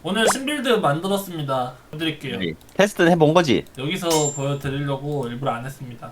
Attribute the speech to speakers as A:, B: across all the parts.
A: 오늘 신빌드 만들었습니다. 보여드릴게요.
B: 테스트는 해본 거지?
A: 여기서 보여드리려고 일부러 안 했습니다.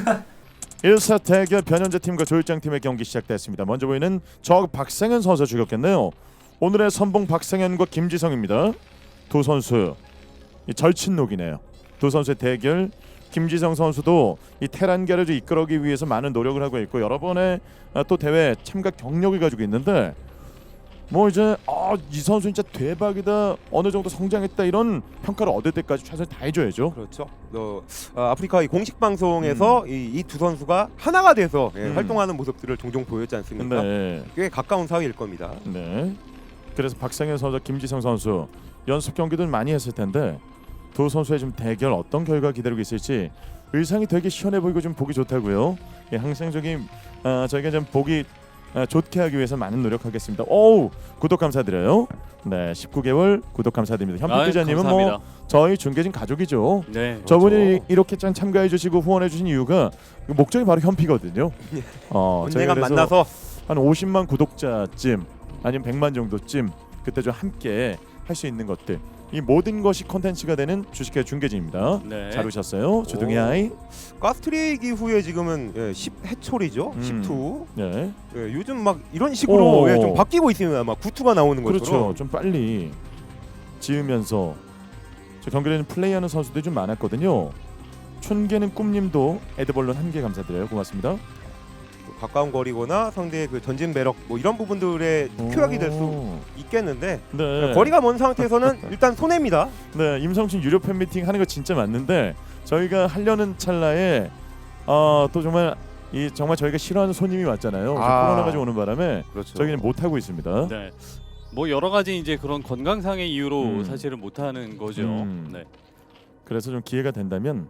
C: 1사 대결 변현재 팀과 조일장 팀의 경기 시작됐습니다. 먼저 보이는 저 박상현 선수 죽였겠네요. 오늘의 선봉 박상현과 김지성입니다. 두 선수 이 절친록이네요. 두 선수의 대결. 김지성 선수도 이 테란계를 이끌어기 위해서 많은 노력을 하고 있고 여러 번의 또 대회 참가 경력을 가지고 있는데 뭐 이제 이 선수 진짜 대박이다, 어느 정도 성장했다 이런 평가를 얻을 때까지 최선을 다해줘야죠.
D: 그렇죠. 아프리카 이 공식 방송에서 이 두 선수가 하나가 돼서 활동하는 모습들을 종종 보였지 않습니까?
C: 네.
D: 꽤 가까운 사이일 겁니다.
C: 네. 그래서 박상현 선수, 김지성 선수 연습 경기도 많이 했을 텐데 두 선수의 좀 대결 어떤 결과 기다리고 있을지 의상이 되게 시원해 보이고 좀 보기 좋다고요. 예, 항상적인 저희가 좀 보기 좋게 하기 위해서 많은 노력하겠습니다. 오우, 구독 감사드려요. 네, 19개월 구독 감사드립니다. 현필 기자님은 뭐 저희 중계진 가족이죠.
E: 네.
C: 저분이
D: 그렇죠.
C: 이렇게 짠 참가해 주시고 후원해 주신 이유가 목적이 바로 현피거든요.
D: 언젠가
C: 그래서
D: 만나서
C: 한 50만 구독자쯤 아니면 100만 정도쯤 그때 좀 함께 할 수 있는 것들, 이 모든 것이 콘텐츠가 되는 주식회 중계진입니다.
E: 네.
C: 잘 오셨어요. 주둥이 하이.
D: 가스트레이기 후에 지금은 10해초리죠. 10투.
C: 네.
D: 요즘 막 이런 식으로
C: 오.
D: 좀 바뀌고 있으면 아마 9투가 나오는
C: 그렇죠.
D: 것처럼.
C: 좀 빨리 지으면서 저 경기에는 플레이하는 선수들이 좀 많았거든요. 춘계는 꿈님도 에드벌룬 1개 감사드려요. 고맙습니다.
D: 가까운 거리거나 상대의 그 전진 배럭 뭐 이런 부분들에 큐약이 될 수 있겠는데
C: 네.
D: 거리가 먼 상태에서는 일단 손해입니다.
C: 네, 임성춘 유료 팬미팅 하는 거 진짜 맞는데 저희가 하려는 찰나에 또 정말 정말 저희가 싫어하는 손님이 왔잖아요. 코로나가 좀 오는 바람에
D: 그렇죠.
C: 저희는 못 하고 있습니다.
E: 네. 뭐 여러 가지 이제 그런 건강상의 이유로 사실은 못 하는 거죠. 네.
C: 그래서 좀 기회가 된다면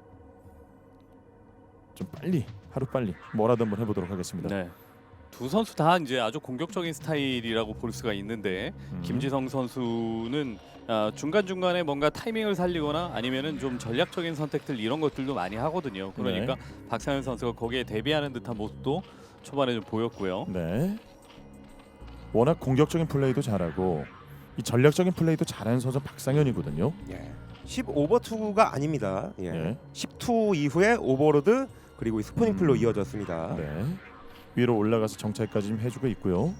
C: 좀 빨리, 하루 빨리 뭐라도 한번 해보도록 하겠습니다.
E: 네. 두 선수 다 이제 아주 공격적인 스타일이라고 볼 수가 있는데 김지성 선수는 중간 중간에 뭔가 타이밍을 살리거나 아니면은 좀 전략적인 선택들 이런 것들도 많이 하거든요. 그러니까 박상현 선수가 거기에 대비하는 듯한 모습도 초반에 좀 보였고요.
C: 네. 워낙 공격적인 플레이도 잘하고 이 전략적인 플레이도 잘하는 선수 박상현이거든요.
D: 10오버2가 아닙니다.
C: 네.
D: 10투 이후에 오버로드 그리고 이 스포닝 풀로 이어졌습니다.
C: 네. 위로 올라가서 정찰까지 좀 해주고 있고요.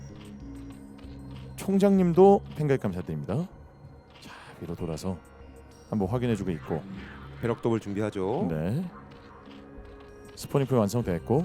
C: 총장님도 팬가입 감사드립니다. 자, 위로 돌아서 한번 확인해주고 있고.
D: 배럭 더블 준비하죠.
C: 네. 스포닝풀 완성됐고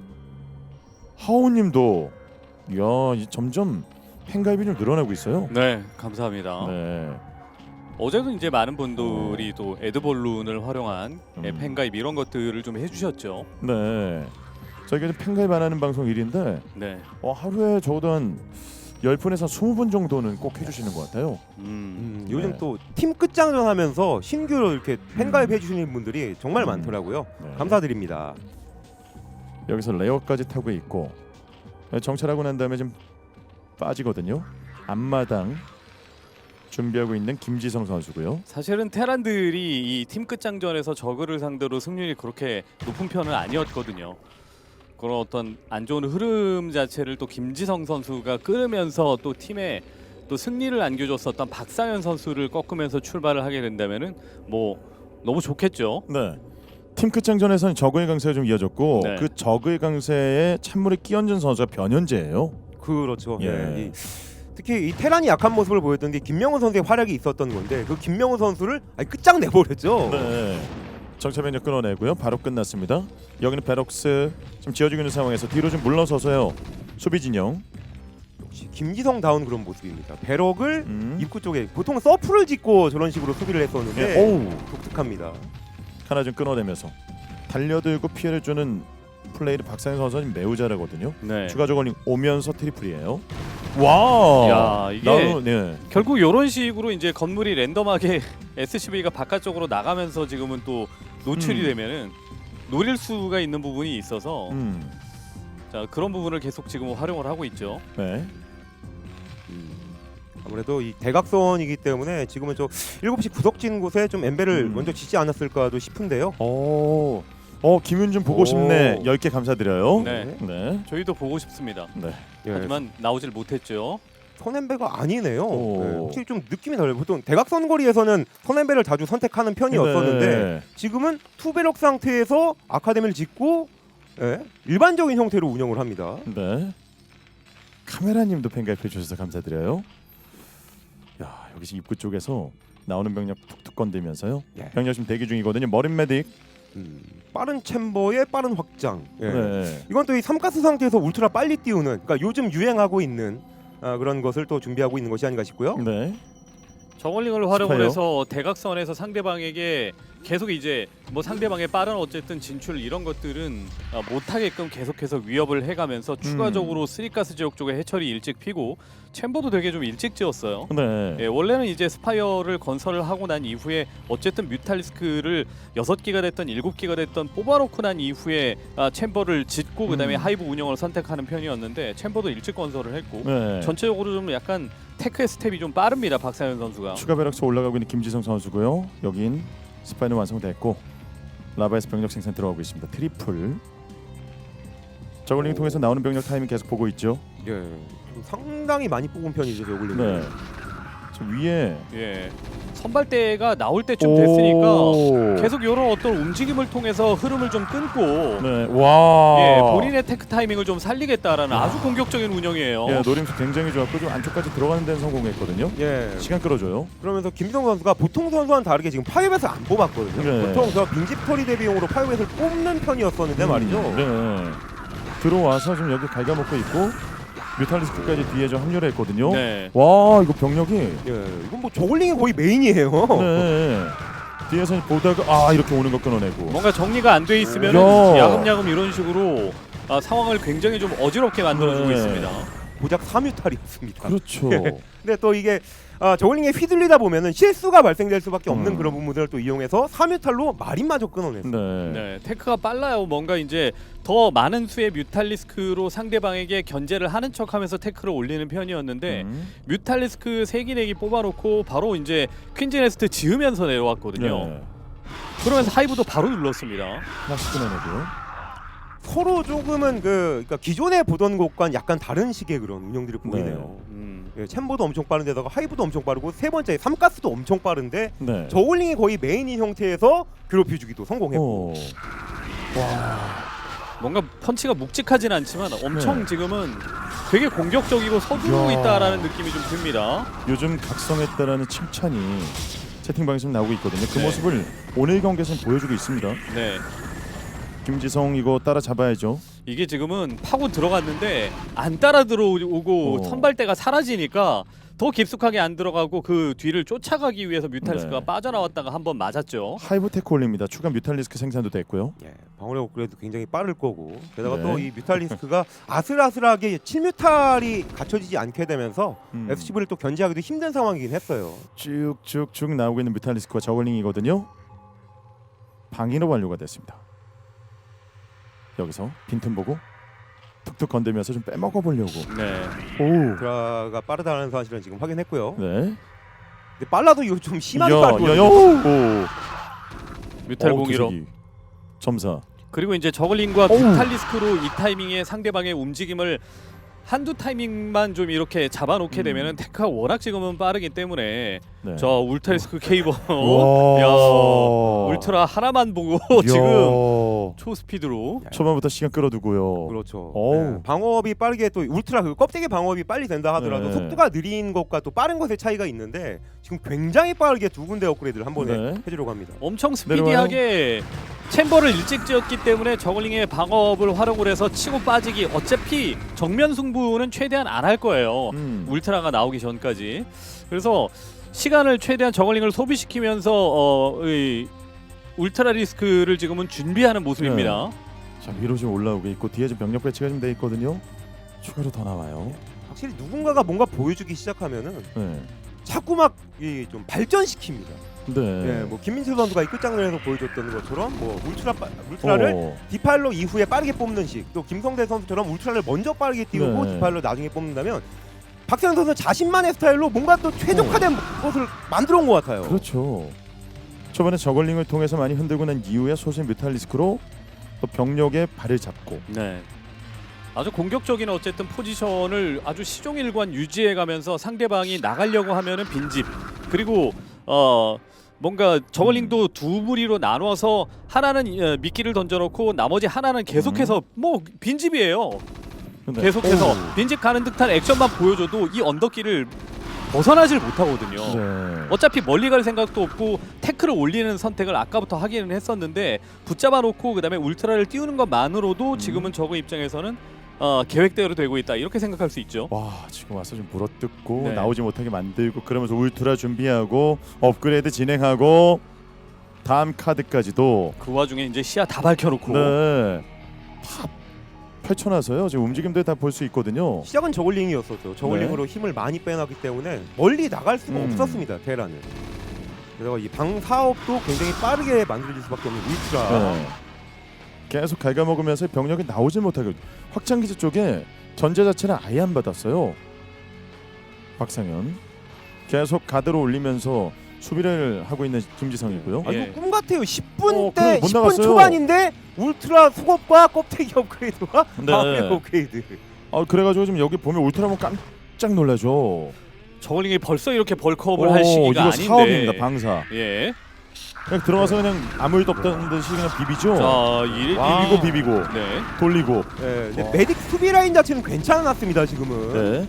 C: 하우님도 점점 팬가입이 좀 늘어나고 있어요.
E: 네, 감사합니다.
C: 네.
E: 어제도 이제 많은 분들이 또 에드벌룬을 활용한
C: 음.
E: 팬가입 이런 것들을 좀 해주셨죠.
C: 네. 저희가 이제 팬가입 안 하는 방송 일인데
E: 네.
C: 하루에 적어도 한 10분에서 20분 정도는 꼭 해주시는 것 같아요.
D: 요즘
C: 네.
D: 또 팀 끝장전 하면서 신규로 이렇게 팬가입 해주시는 분들이 정말 많더라고요.
C: 네.
D: 감사드립니다.
C: 여기서 레어까지 타고 있고 정찰하고 난 다음에 좀 빠지거든요. 앞마당 준비하고 있는 김지성 선수고요.
E: 사실은 테란들이 이 팀 끝장전에서 저그를 상대로 승률이 그렇게 높은 편은 아니었거든요. 그런 어떤 안 좋은 흐름 자체를 또 김지성 선수가 끌으면서 또 팀에 또 승리를 안겨줬었던 박상현 선수를 꺾으면서 출발을 하게 된다면은 뭐 너무 좋겠죠.
C: 네. 팀 끝장전에서는 저그의 강세가 좀 이어졌고
E: 네.
C: 그 저그의 강세에 찬물에 끼얹은 선수가 변현재예요.
D: 그렇죠.
C: 예.
D: 특히 이 테란이 약한 모습을 보였던 게 김명훈 선수의 활약이 있었던 건데 그 김명훈 선수를 끝장 내버렸죠.
C: 네. 정찰병력 끊어내고요. 바로 끝났습니다. 여기는 베럭스 좀 지어지고 있는 상황에서 뒤로 좀 물러서서요. 수비 진영.
D: 역시 김지성다운 그런 모습입니다. 배럭을
C: 입구
D: 입구 쪽에 보통 서프를 짓고 저런 식으로 수비를 했었는데
C: 오우.
D: 독특합니다.
C: 하나 좀 끊어내면서 달려들고 피해를 주는 플레이를 박상현 선수는 매우 잘하거든요.
E: 네.
C: 추가 저걸링 오면서 트리플이에요. 와.
E: 야, 이게
C: 네.
E: 결국 이런 식으로 이제 건물이 랜덤하게 SCV가 바깥쪽으로 나가면서 지금은 또 노출이 되면은 노릴 수가 있는 부분이 있어서 자 그런 부분을 계속 지금 활용을 하고 있죠.
C: 네.
D: 아무래도 이 대각선이기 때문에 지금은 저 7시 구석진 곳에 좀 엠벨을 먼저 짓지 않았을까도 싶은데요.
C: 김윤준 보고 싶네. 10개 감사드려요.
E: 네.
C: 네.
E: 저희도 보고 싶습니다.
C: 네.
D: 예.
E: 하지만 나오질 못했죠.
D: 선앤배가 아니네요.
C: 오.
D: 네, 확실히 좀 느낌이 달라요. 보통 대각선 거리에서는 선앤배를 자주 선택하는 편이었었는데
C: 네.
D: 지금은 투베럭 상태에서 아카데미를 짓고 일반적인 형태로 운영을 합니다.
C: 네. 카메라님도 팬가입해 주셔서 감사드려요. 야, 여기서 입구 쪽에서 나오는 병력 툭툭 건들면서요.
D: 예.
C: 병력 지금 대기 중이거든요. 머린 메딕.
D: 빠른 챔버의 빠른 확장. 예.
C: 네.
D: 이건 또 이 삼가스 상태에서 울트라 빨리 띄우는, 그러니까 요즘 유행하고 있는 그런 것을 또 준비하고 있는 것이 아닌가 싶고요.
C: 네.
E: 저글링을 활용을
C: 스파이어?
E: 해서 대각선에서 상대방에게 계속 이제 뭐 상대방의 빠른 어쨌든 진출 이런 것들은 못하게끔 계속해서 위협을 해가면서 추가적으로 쓰리가스 지역 쪽에 해처리 일찍 피고 챔버도 되게 좀 일찍 지었어요.
C: 네.
E: 예, 원래는 이제 스파이어를 건설을 하고 난 이후에 어쨌든 뮤탈리스크를 6기가 됐던 7기가 됐던 뽑아놓고 난 이후에 챔버를 짓고 그다음에 하이브 운영을 선택하는 편이었는데 챔버도 일찍 건설을 했고
C: 네.
E: 전체적으로 좀 약간 테크의 스텝이 좀 빠릅니다. 박상현 선수가.
C: 추가 배럭스 올라가고 있는 김지성 선수고요. 여긴 스파이는 완성됐고 라바에서 병력 생산 들어가고 있습니다. 트리플. 저글링 통해서 나오는 병력 타이밍 계속 보고 있죠.
D: 예, 좀 상당히 많이 뽑은 편이죠, 저글링.
C: 네. 저 위에
E: 예. 선발대가 나올 때쯤 됐으니까
C: 오.
E: 계속 이런 어떤 움직임을 통해서 흐름을 좀 끊고
C: 네. 와.
E: 예, 본인의 테크 타이밍을 좀 살리겠다라는 아주 공격적인 운영이에요.
C: 예, 노림수 굉장히 좋았고 좀 안쪽까지 들어가는 데는 성공했거든요.
D: 예.
C: 시간 끌어줘요.
D: 그러면서 김지성 선수가 보통 선수와는 다르게 지금 파이벳을 안 뽑았거든요.
C: 네.
D: 보통 저 빈집털이 대비용으로 파이벳을 뽑는 편이었었는데 말이죠.
C: 네. 들어와서 지금 여기 갉아먹고 있고 뮤탈리스크까지 뒤에 좀 합류를 했거든요.
E: 네.
C: 와, 이거 병력이
D: 예, 이건 뭐 저글링이 거의 메인이에요.
C: 네. 뒤에서 보다가 이렇게 오는 거 끊어내고.
E: 뭔가 정리가 안 돼 있으면
C: 야.
E: 야금야금 이런 식으로 상황을 굉장히 좀 어지럽게 만들어주고
C: 네.
E: 있습니다.
D: 고작 3뮤탈이었습니다.
C: 그렇죠.
D: 근데 또 이게 저글링에 휘둘리다 보면은 실수가 발생될 수밖에 없는 그런 부분들을 또 이용해서 3뮤탈로 마린마저 끊어냈어요.
C: 네.
E: 네, 테크가 빨라요. 뭔가 이제 더 많은 수의 뮤탈리스크로 상대방에게 견제를 하는 척하면서 테크를 올리는 편이었는데 뮤탈리스크 3기 4기 뽑아놓고 바로 이제 퀸즈네스트 지으면서 내려왔거든요.
C: 네.
E: 그러면서 하이브도 바로 눌렀습니다.
C: 하나씩 끊어내고요.
D: 서로 조금은 그러니까 기존에 보던 것과는 약간 다른 식의 그런 운영들이 보이네요. 예, 챔버도 엄청 빠른데다가 하이브도 엄청 빠르고 세 번째 삼가스도 엄청 빠른데
C: 네.
D: 저울링이 거의 메인인 형태에서 괴롭혀주기도 성공했고.
C: 오.
E: 뭔가 펀치가 묵직하진 않지만 엄청
C: 네.
E: 지금은 되게 공격적이고 서두르고
C: 야.
E: 있다라는 느낌이 좀 듭니다.
C: 요즘 각성했다라는 칭찬이 채팅방에서 나오고 있거든요. 그
E: 네.
C: 모습을 오늘 경기에서는 보여주고 있습니다.
E: 네.
C: 김지성 이거 따라잡아야죠.
E: 이게 지금은 파고 들어갔는데 안 따라 들어오고 선발대가 사라지니까 더 깊숙하게 안 들어가고 그 뒤를 쫓아가기 위해서 뮤탈리스크가
C: 네.
E: 빠져나왔다가 한번 맞았죠.
C: 하이브 테크 올립니다. 추가 뮤탈리스크 생산도 됐고요.
D: 예, 방어력 업그레이드 굉장히 빠를 거고 게다가
C: 네.
D: 또 이 뮤탈리스크가 아슬아슬하게 7뮤탈이 갖춰지지 않게 되면서 SCV를 또 견제하기도 힘든 상황이긴 했어요.
C: 쭉쭉쭉 나오고 있는 뮤탈리스크와 저글링이거든요. 방인업 완료가 됐습니다. 여기서 빈틈 보고 툭툭 건들면서 좀 빼먹어 보려고.
E: 네.
C: 오.
D: 드라가 빠르다는 사실은 지금 확인했고요.
C: 네.
D: 근데 빨라도 이거 좀 심하게
C: 야,
D: 빠르거든요.
C: 오.
E: 뮤탈
C: 어우,
E: 공이로.
C: 기색이. 점사.
E: 그리고 이제 저글링과
C: 어우.
E: 뮤탈리스크로 이 타이밍에 상대방의 움직임을 한두 타이밍만 좀 이렇게 잡아놓게 되면은 테크가 워낙 지금은 빠르기 때문에
C: 네.
E: 저 울타리스크 케이버
C: 와.
E: 야 울트라 하나만 보고 지금 초스피드로
C: 초반부터 시간 끌어두고요.
D: 그렇죠.
C: 어우.
D: 네, 방어업이 빠르게 또 울트라 그 껍데기 방어업이 빨리 된다 하더라도
C: 네.
D: 속도가 느린 것과 또 빠른 것의 차이가 있는데 지금 굉장히 빠르게 두 군데 업그레이드를 한 번에
C: 네.
D: 해주려고 합니다.
E: 엄청 스피디하게 챔버를 일찍 지었기 때문에 저글링의 방어업을 활용을 해서 치고 빠지기 어차피 정면 승부는 최대한 안 할 거예요. 울트라가 나오기 전까지. 그래서 시간을 최대한 저글링을 소비시키면서 이 울트라 리스크를 지금은 준비하는 모습입니다.
C: 자, 위로 좀 올라오고 있고 뒤에 좀 병력 배치가 좀 돼 있거든요. 추가로 더 나와요.
D: 확실히 누군가가 뭔가 보여주기 시작하면은
C: 네.
D: 자꾸 막 좀 발전시킵니다.
C: 네.
D: 예, 뭐 김민철 선수가 이 끝장면에서 보여줬던 것처럼 뭐 울트라를 디팔로 이후에 빠르게 뽑는 식, 또 김성대 선수처럼 울트라를 먼저 빠르게 띄우고
C: 네.
D: 디팔로 나중에 뽑는다면 박세현 선수는 자신만의 스타일로 뭔가 또 최적화된 것을 만들어 온 것 같아요.
C: 그렇죠. 초반에 저글링을 통해서 많이 흔들고 난 이후에 소신 뮤탈리스크로 또 병력의 발을 잡고
E: 네. 아주 공격적인 어쨌든 포지션을 아주 시종일관 유지해가면서 상대방이 나가려고 하면은 빈집 그리고 뭔가 저글링도 두 무리로 나눠서 하나는 미끼를 던져놓고 나머지 하나는 계속해서 뭐 빈집이에요.
C: 근데-
E: 계속해서
C: 오.
E: 빈집 가는 듯한 액션만 보여줘도 이 언덕길을 벗어나질 못하거든요.
C: 네.
E: 어차피 멀리 갈 생각도 없고 태클을 올리는 선택을 아까부터 하기는 했었는데 붙잡아 놓고 그다음에 울트라를 띄우는 것만으로도 지금은 저그 입장에서는 계획대로 되고 있다 이렇게 생각할 수 있죠.
C: 와 지금 와서 좀 물어뜯고
E: 네.
C: 나오지 못하게 만들고 그러면서 울트라 준비하고 업그레이드 진행하고 다음 카드까지도
E: 그 와중에 이제 시야 다 밝혀놓고
C: 네. 다 펼쳐놔서요. 지금 움직임들 다 볼 수 있거든요.
D: 시작은 저글링이었었죠. 저글링으로 힘을 많이 빼놨기 때문에 멀리 나갈 수가 없었습니다. 테란은. 그래서 이 방 사업도 굉장히 빠르게 만들어질 수밖에 없는 울트라.
C: 네. 계속 갉아먹으면서 병력이 나오질 못하게 확장기지 쪽에 전제 자체는 아예 안 받았어요. 박상현 계속 가드로 올리면서 수비를 하고 있는 김지성이고요.
D: 아,
E: 예.
D: 이거 꿈 같아요. 10분 때
C: 그래, 못
D: 10분
C: 나갔어요.
D: 초반인데 울트라 수급과 껍데기 업그레이드와
C: 네.
D: 방어 업그레이드.
C: 그래가지고 지금 여기 보면 울트라 보면 깜짝 놀라죠.
E: 저글링이 벌써 이렇게 벌크업을 할 시기가
C: 이거
E: 아닌데
C: 사업입니다. 방사.
E: 예.
C: 그냥 들어가서 그냥 아무 일도 없다는 듯이 그냥 비비죠.
E: 자,
C: 비비고 비비고
E: 네.
C: 돌리고.
D: 네, 근데 메딕 수비 라인 자체는 괜찮았습니다. 지금은.
C: 네.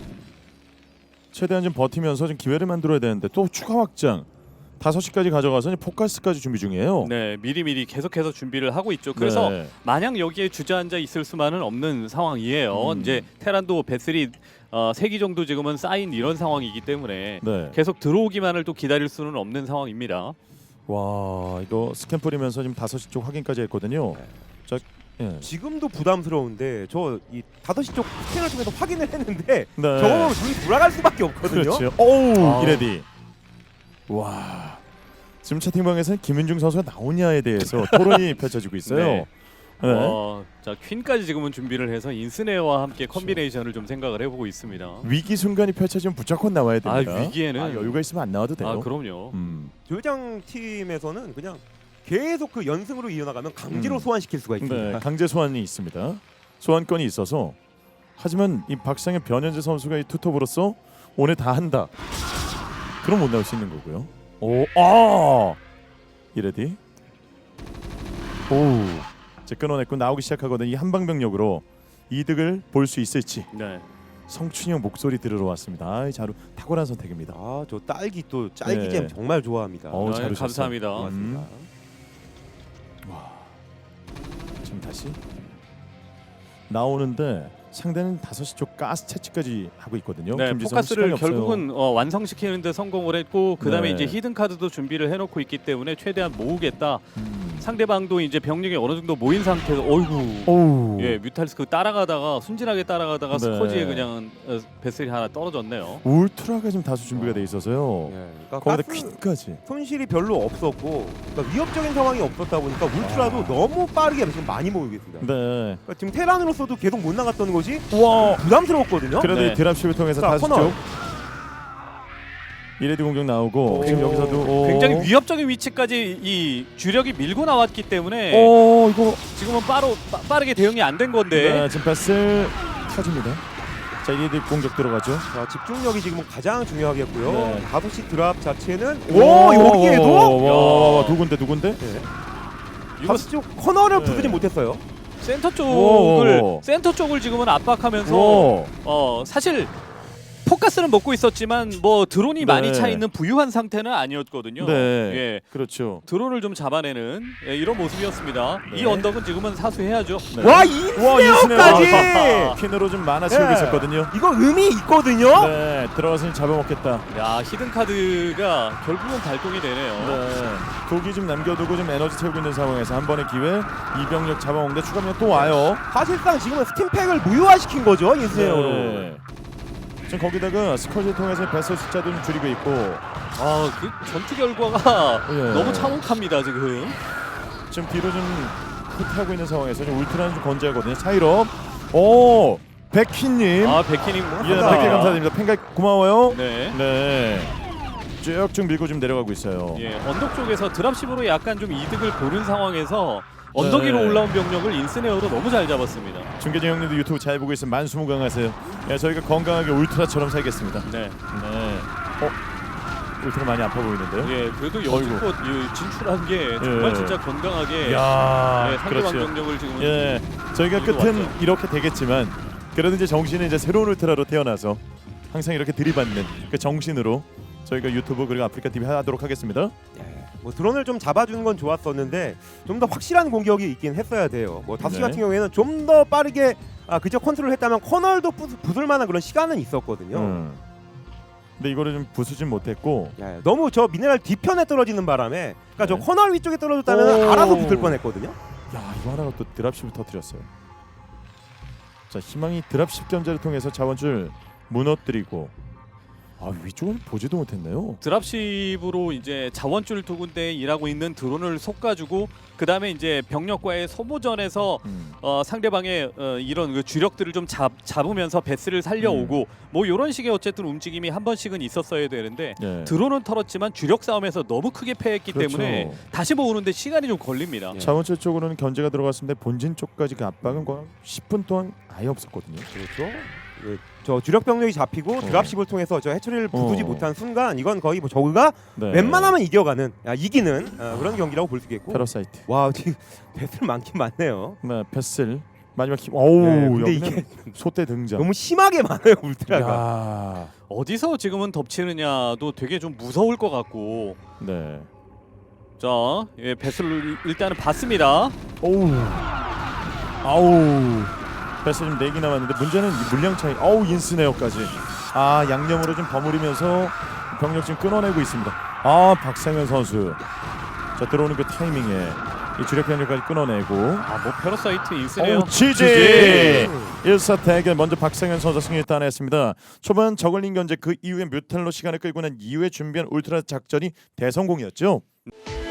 C: 최대한 좀 버티면서 좀 기회를 만들어야 되는데 또 추가 확장 5시까지 가져가서 이제 포커스까지 준비 중이에요.
E: 네, 미리미리 계속해서 준비를 하고 있죠. 그래서
C: 네.
E: 마냥 여기에 주저앉아 있을 수만은 없는 상황이에요. 이제 테란도 배슬이 3기 정도 지금은 쌓인 이런 상황이기 때문에
C: 네.
E: 계속 들어오기만을 또 기다릴 수는 없는 상황입니다.
C: 와 이거 스캔 뿌리면서 지금 5시 쪽 확인까지 했거든요. 자, 예.
D: 지금도 부담스러운데 저 이 5시 쪽 스캔을 통해서 확인을 했는데
C: 네.
D: 저거 보면 눈이 돌아갈 수밖에 없거든요.
C: 그렇죠. 오우
E: 아.
C: 이레디. 와 지금 채팅방에서는 김윤중 선수가 나오냐에 대해서 토론이 펼쳐지고 있어요.
E: 네.
C: 네.
E: 자 퀸까지 지금은 준비를 해서 인스네와 함께 컨비네이션을 좀 생각을 해보고 있습니다.
C: 위기 순간이 펼쳐지면 무조건 나와야 됩니다.
E: 위기에는
C: 여유가 있으면 안 나와도 돼요.
E: 그럼요.
D: 조장 팀에서는 그냥 계속 그 연승으로 이어나가면 강제로 소환시킬 수가 있습니다.
C: 네, 강제 소환이 있습니다. 소환권이 있어서 하지만 이 박상현 변현재 선수가 이 투톱으로서 오늘 다 한다. 그럼 못 나올 수 있는 거고요. 이레디. 오, 이제 끊어냈고 나오기 시작하거든. 이 한방병력으로 이득을 볼 수 있을지.
E: 네.
C: 성춘이 형 목소리 들으러 왔습니다. 아이, 자루 탁월한 선택입니다.
D: 아, 저 딸기 또 딸기잼
C: 네.
D: 정말 좋아합니다.
C: 어우, 잘 오셨어요.
E: 감사합니다.
D: 고맙습니다.
C: 지금 다시 나오는데 상대는 5시 쪽 가스 채취까지 하고 있거든요.
E: 네,
C: 김지성
E: 포커스를
C: 시간이 없어요.
E: 결국은 완성시키는데 성공을 했고 그 다음에
C: 네.
E: 이제 히든 카드도 준비를 해놓고 있기 때문에 최대한 모으겠다. 상대방도 이제 병력이 어느 정도 모인 상태에서 어이구
C: 오우.
E: 예 뮤탈스크 따라가다가 순진하게 따라가다가
C: 네.
E: 스커지에 그냥 배슬이 하나 떨어졌네요.
C: 울트라가 지금 다수 준비가 돼 있어서요.
D: 네, 그러니까
C: 거기다
D: 가스
C: 퀸까지.
D: 손실이 별로 없었고 그러니까 위협적인 상황이 없었다 보니까 울트라도 너무 빠르게 지금 많이 모이고 있습니다.
C: 네.
D: 그러니까 지금 테란으로서도 계속 못 나갔던 것이
C: 와.
D: 부담스러웠거든요.
C: 그래도
E: 네.
C: 이 드랍십을 통해서
D: 자,
C: 5시
D: 코너.
C: 쪽 이레디 공격 나오고
D: 오.
C: 지금 여기서도
E: 굉장히 위협적인 위치까지 이 주력이 밀고 나왔기 때문에
C: 이거
E: 지금은 빠르게 대응이 안 된 건데
C: 네, 지금 패스 터집니다. 자 이레디 공격 들어가죠.
D: 자, 집중력이 지금은 가장 중요하겠고요.
C: 네.
D: 5시 드랍 자체는 여기에도
C: 두 군데
D: 네.
E: 이거
D: 5시 쪽 코너를
C: 네.
D: 부수지 못했어요.
E: 센터
C: 오.
E: 쪽을 지금은 압박하면서
C: 오.
E: 사실 포커스는 먹고 있었지만 뭐 드론이
C: 네.
E: 많이 차 있는 부유한 상태는 아니었거든요.
C: 네.
E: 예.
C: 그렇죠.
E: 드론을 좀 잡아내는 이런 모습이었습니다.
C: 네.
E: 이 언덕은 지금은 사수해야죠.
C: 네.
D: 와,
C: 와,
D: 인스네어까지!
C: 인스네어. 퀸으로 좀 많아 채우고
D: 네.
C: 있었거든요.
D: 이거 의미 있거든요.
C: 네, 들어가서 잡아먹겠다.
E: 야 히든 카드가 결국은 발동이 되네요.
C: 네, 독이 좀 남겨두고 좀 에너지 채우고 있는 상황에서 한 번의 기회, 이병력 잡아먹는데 추가면 또 와요.
D: 사실상 지금은 스팀팩을 무효화시킨 거죠, 인스네어로.
C: 네. 지금 거기다가 스커지를 통해서 배설 숫자도 좀 줄이고 있고.
E: 그 전투 결과가
C: 예.
E: 너무 참혹합니다 지금.
C: 지금 뒤로 좀 후퇴하고 있는 상황에서 좀 울트라는 좀 건재하거든요. 차이럽. 오, 백희님.
E: 백희님
C: 예,
D: 감사합니다.
C: 100개 감사드립니다. 팬가 고마워요.
E: 네.
C: 네. 쭉쭉 밀고 좀 내려가고 있어요.
E: 예, 언덕 쪽에서 드랍십으로 약간 좀 이득을 보는 상황에서 언덕 위로
C: 네.
E: 올라온 병력을 인스네어로 너무 잘 잡았습니다.
C: 중계진 형님도 유튜브 잘 보고 있으면 만수무강하세요. 예, 저희가 건강하게 울트라처럼 살겠습니다.
E: 네.
C: 네. 울트라 많이 아파 보이는데요.
E: 예, 그래도 여지껏 진출한 게 정말
C: 예.
E: 진짜 건강하게
C: 야,
E: 예, 상대방
C: 그렇죠.
E: 병력을 지금
C: 예, 저희가
E: 이거
C: 끝은
E: 맞죠?
C: 이렇게 되겠지만 그래도 이제 정신은 이제 새로운 울트라로 태어나서 항상 이렇게 들이받는 그 정신으로 저희가 유튜브 그리고 아프리카 TV 하도록 하겠습니다.
D: 뭐 드론을 좀 잡아주는 건 좋았었는데 좀 더 확실한 공격이 있긴 했어야 돼요. 뭐 다수시
C: 네.
D: 같은 경우에는 좀 더 빠르게 그저 컨트롤했다면 커널도 부술 만한 그런 시간은 있었거든요.
C: 근데 이거를 좀 부수진 못했고.
D: 야, 너무 저 미네랄 뒤편에 떨어지는 바람에 그러니까 저
C: 네.
D: 커널 위쪽에 떨어졌다면
C: 오.
D: 알아서 붙을 뻔했거든요.
C: 야, 이거 하나가 또 드랍십을 터뜨렸어요. 자, 희망이 드랍십 견제를 통해서 자원줄 무너뜨리고. 아, 위쪽은 보지도 못했네요.
E: 드랍십으로 이제 자원줄 두 군데 일하고 있는 드론을 솎아주고 그 다음에 이제 병력과의 소모전에서 상대방의 이런 그 주력들을 좀 잡으면서 베스를 살려오고 뭐 이런 식의 어쨌든 움직임이 한 번씩은 있었어야 되는데
C: 네.
E: 드론은 털었지만 주력 싸움에서 너무 크게 패했기
C: 그렇죠.
E: 때문에 다시 모으는데 시간이 좀 걸립니다.
D: 예.
C: 자원줄 쪽으로는 견제가 들어갔습니다. 본진 쪽까지 그 압박은 거의 10분 동안 아예 없었거든요.
D: 그렇죠. 저 주력 병력이 잡히고 드랍십을 통해서 저 해처리를 부수지 못한 순간 이건 거의 뭐 저그가
C: 네.
D: 웬만하면 이기는 그런 경기라고 볼 수 있겠고.
C: 패러사이트.
D: 와 지금 배틀 많긴 많네요.
C: 네, 패슬. 마지막 힘. 어우,
D: 네, 근데
C: 여기는
D: 이게
C: 소대 등장.
D: 너무 심하게 많아요 울트라가.
C: 야.
E: 어디서 지금은 덮치느냐도 되게 좀 무서울 것 같고
C: 네.
E: 자, 예, 베스를 일단은 봤습니다.
C: 어우. 아우. 패스 지금 4개 남았는데 문제는 이 물량 차이. 어우, 인스네어까지. 아, 양념으로 좀 버무리면서 병력 지금 끊어내고 있습니다. 아, 박상현 선수. 자, 들어오는 그 타이밍에 이 주력 병력까지 끊어내고.
E: 뭐 패러사이트 인스네어.
C: 오, 지지! 1사 대결 먼저 박상현 선수 승리 따냈습니다. 초반 저글링 견제 그 이후에 뮤탈로 시간을 끌고 난 이후에 준비한 울트라 작전이 대성공이었죠.